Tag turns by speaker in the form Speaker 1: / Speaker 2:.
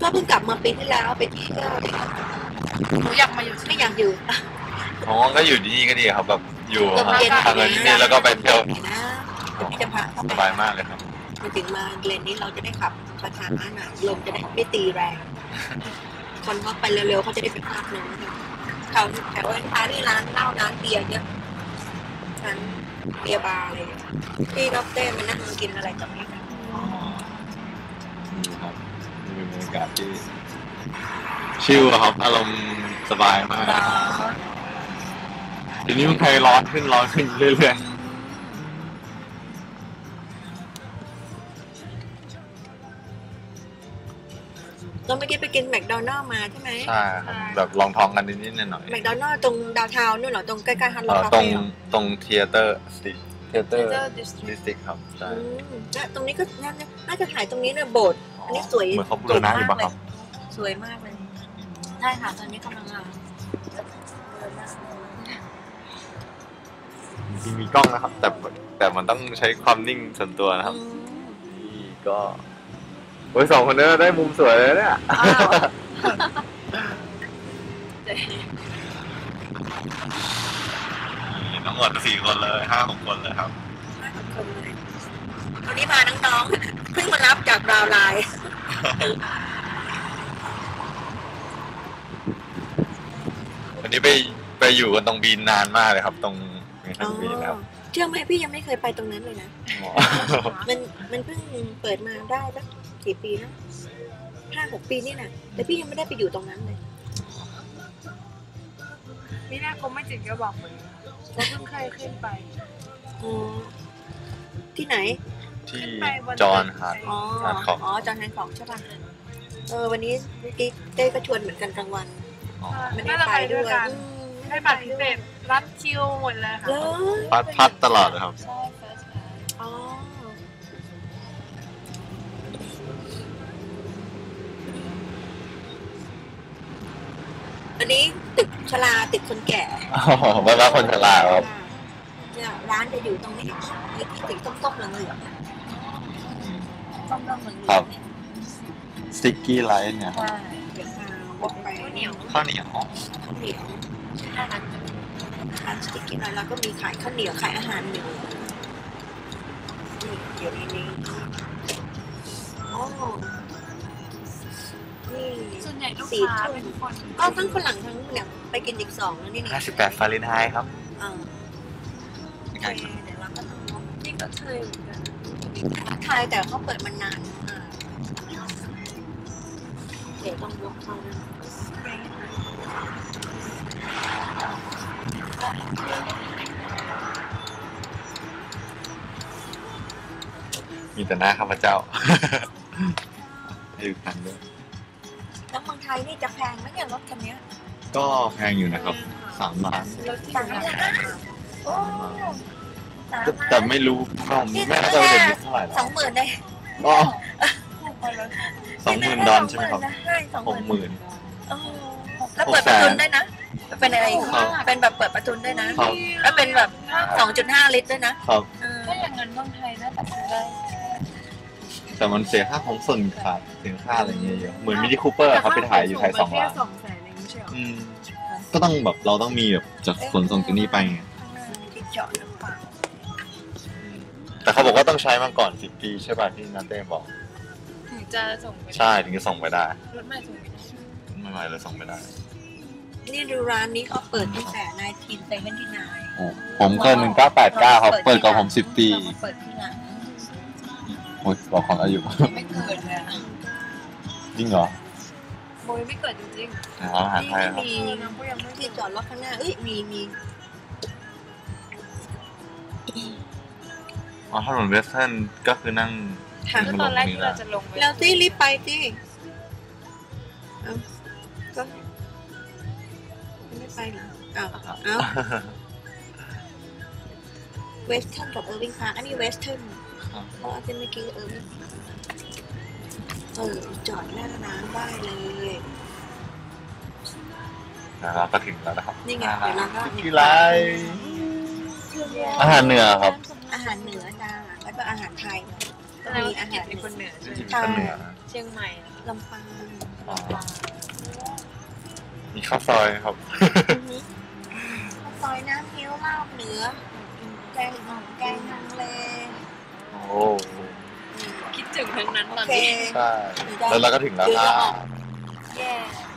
Speaker 1: ก็เพิ่งกลับมาปีที่แล้วไปเที่ยว
Speaker 2: หนูอยากมาอยู่
Speaker 1: ไม่อยากอยู่
Speaker 3: อ๋อก็อยู่ที่นี่ก็ดีครับแบบอยู่ทำงานที่นี่แล้วก็ไปเที่ยว
Speaker 1: พี่จะพา
Speaker 3: สบายมากเลยครับ
Speaker 1: มาถึงมาเลนนี้เราจะได้ขับประทานหน่อยลมจะได้ไม่ตีแรงคนเขาไปเร็วๆเขาจะได้ไปภาคนึงแถวท้ายที่ร้านเหล้าร้านเบียร์เยอะร้านเบียร์บาร์อะไรที่ดอกเต้มันนั่งกินอะไรกับนี่กัน
Speaker 3: นี่ครับมีบรรยากาศที่ชิลครับอารมณ์สบายมากทีนี้มันใครร้อนขึ้นเรื่อยๆ
Speaker 1: เราไม่ได้ไปกินแมคโดนัลล์มาใช่ไหม
Speaker 3: ใช่ครับแบบลองท้องกันนิดๆหน่อย
Speaker 1: แมคโดนัลล์ตรงดาวทาวน์นู่นเหรอตรงใกล้ๆฮันโลคา
Speaker 3: ตร
Speaker 1: เฟ่
Speaker 3: งเทเตอร์ดิสติกครับใช่
Speaker 1: ตรงนี้ก็น่าจะถ่ายตรงนี้เนี่ยโบสถ์อันนี้สวย
Speaker 3: เหมือนเขาบูรณะอยู่ป่ะครับ
Speaker 1: สวยมากเลยใช่ค่ะตอนนี้กำลัง
Speaker 3: จริงมีกล้องนะครับแต่มันต้องใช้ความนิ่งส่วนตัวนะครับนี่ก็โอ้ยสองคนนี้ได้มุมสวยเลยเนี่ยทั้งหมด4 คนเลย5-6 คนเลยครับ
Speaker 1: 5-6 คนเลยวันนี้พาน้องๆเพิ่งมารับจากดาวไลน์
Speaker 3: วันนี้ไปอยู่กันตรงบีนนานมากเลยครับตรงบีนครับ
Speaker 1: เชื่อไหมพี่ยังไม่เคยไปตรงนั้นเลยนะมันเพิ่งเปิดมาได้สักกี่ปีนะ5-6 ปีนี่นะแต่พี่ยังไม่ได้ไปอยู่ตรงนั้นเลย
Speaker 2: นี่น่าคงไม่จริงก็บอกเลยว่าเพิ่งเคยขึ้นไป
Speaker 1: ที่ไหน
Speaker 3: ที่จอห์นฮาร์ดของ
Speaker 1: จอห์นฮาร์ดของใช่ป่ะวันนี้เต้ก็ชวนเหมือนกันกลางวัน
Speaker 2: ไม่ได้ไปด้วยกันให้บัตรพิเศษรัดคิวหมดเลยค่ะ
Speaker 3: พัดตลอดเลยครับ
Speaker 1: อันนี้ตึกชลาตึกคนแก่
Speaker 3: บ้านคนชราครับ
Speaker 1: ร้านจะอยู่ตรงนี้ตึกส้มๆเหลืองๆส้มๆเหลืองๆ
Speaker 3: ครับสติ๊กกี้ไลท์เนี่ย
Speaker 1: เดี๋ยวพาบอกไป
Speaker 3: ข้าวเหนียว
Speaker 1: ร้านสติ๊กกี้ไลท์แล้วก็มีขายข้าวเหนียวขายอาหารเหนือเดี๋ยวนี้
Speaker 2: ส่วนใหญ่ลูกค้าเป็นคน
Speaker 1: ก็ทั้งฝรั่งทั้งเนี่ยไปกินอีก2แล้วนี่
Speaker 3: 58 ฟาเรนไฮต์ครับ
Speaker 1: เดี๋ยวเราก็ต้อง
Speaker 2: นี่ก็เคยเหมือนกัน
Speaker 1: ไทยแต่เขาเปิดมานานเดี๋ยวต้องยกเขานะ
Speaker 3: มีแต่หน้าข้าพเจ้าอยู่คันด้วย
Speaker 1: แล้วเมืองไทยนี่จะแพงไหมเนี่ยรถคันนี้
Speaker 3: ก็แพงอยู่นะครับ3 ล้านแต่ไม่รู้ผมไม่น่าจะเห็นเท่าไหร่
Speaker 1: 20,000เลย
Speaker 3: 20,000 ดอลใช่ไหมครับ60,000
Speaker 1: แล้วเปิดประทุนได้นะเป็นอะไรเป็นแบบเปิดประทุนได้นะแล้วเป็นแบบ 2.5 ลิตรด้วยนะ
Speaker 2: ถ้าอย่างนั้นเมืองไทยน่าจะซื้อได้
Speaker 3: แต่มันเสียค่าของส่วนขาดเสียค่าอะไรเงี้ยเยอะเหมือนมินิคูเปอร์ครับไปถ่ายอยู่ไทย2 ล้านก็ต้องแบบเราต้องมีแบบจากขนส่งจากนี่ไปไงแต่เขาบอกว่าต้องใช้มาก่อน10 ปีใช่ป่ะที่นัทเต้บอก
Speaker 2: ถึงจะส่งไป
Speaker 3: ใช่ถึงจะส่งไปได้
Speaker 2: รถใหม่ส่งไม่ได้
Speaker 3: ไม่ใหม่เลยส่งไปได้
Speaker 1: นี่ดูร้านนี้เขาเปิดตั้งแต่1979
Speaker 3: ผมเกิด1989ครับเปิดก่อนผม10 ปี
Speaker 1: เปิดที่หลัง
Speaker 3: โอ้ยบอกของอายุ
Speaker 2: ไม่เกิดเลย
Speaker 3: จริงเหรอ
Speaker 2: โบยไม่เกิดจริง
Speaker 3: ๆอาหารไทยครับ
Speaker 1: มีที่จอดรถข้างหน้ามี
Speaker 3: ถนนเวสเทิร์นก็คือนั่ง
Speaker 2: ตอนแรกที่เราจะลง
Speaker 1: แล้วที่รีบไปที่ก็ไม่ไปเหรอเวสเทิร์นกับเออร์วิงพาร์คอันนี้เวสเทิร์นเพราะจะไม่กินเออร์วิงจอดหน้าร้านได้เลย
Speaker 3: เราก็ถึงแล้วนะครับ
Speaker 1: นี่ไงเดี๋ยวเราก็
Speaker 3: ที่ไรอาหารเหนือครับ
Speaker 1: อาหารเหนือจ้าแล้วก็อาหารไทยมีอาหาร
Speaker 2: คนเหนือ
Speaker 1: ใช่
Speaker 2: ชียงใหม่อะ
Speaker 1: ลำปาง
Speaker 3: อ๋อมีข้าวซอยครับ
Speaker 1: ข้าวซอยน้ำเงี้ยวลาบเหนือแกงฮังเล
Speaker 3: โอ้
Speaker 2: คิดถึงทั้งนั้นต
Speaker 1: โอ
Speaker 2: อน
Speaker 1: เค
Speaker 2: นี้
Speaker 3: ใช่แล้วเราก็ถึงแล้ว
Speaker 1: เดี๋ยว
Speaker 3: ครั
Speaker 1: จะออก
Speaker 3: บ
Speaker 1: แย่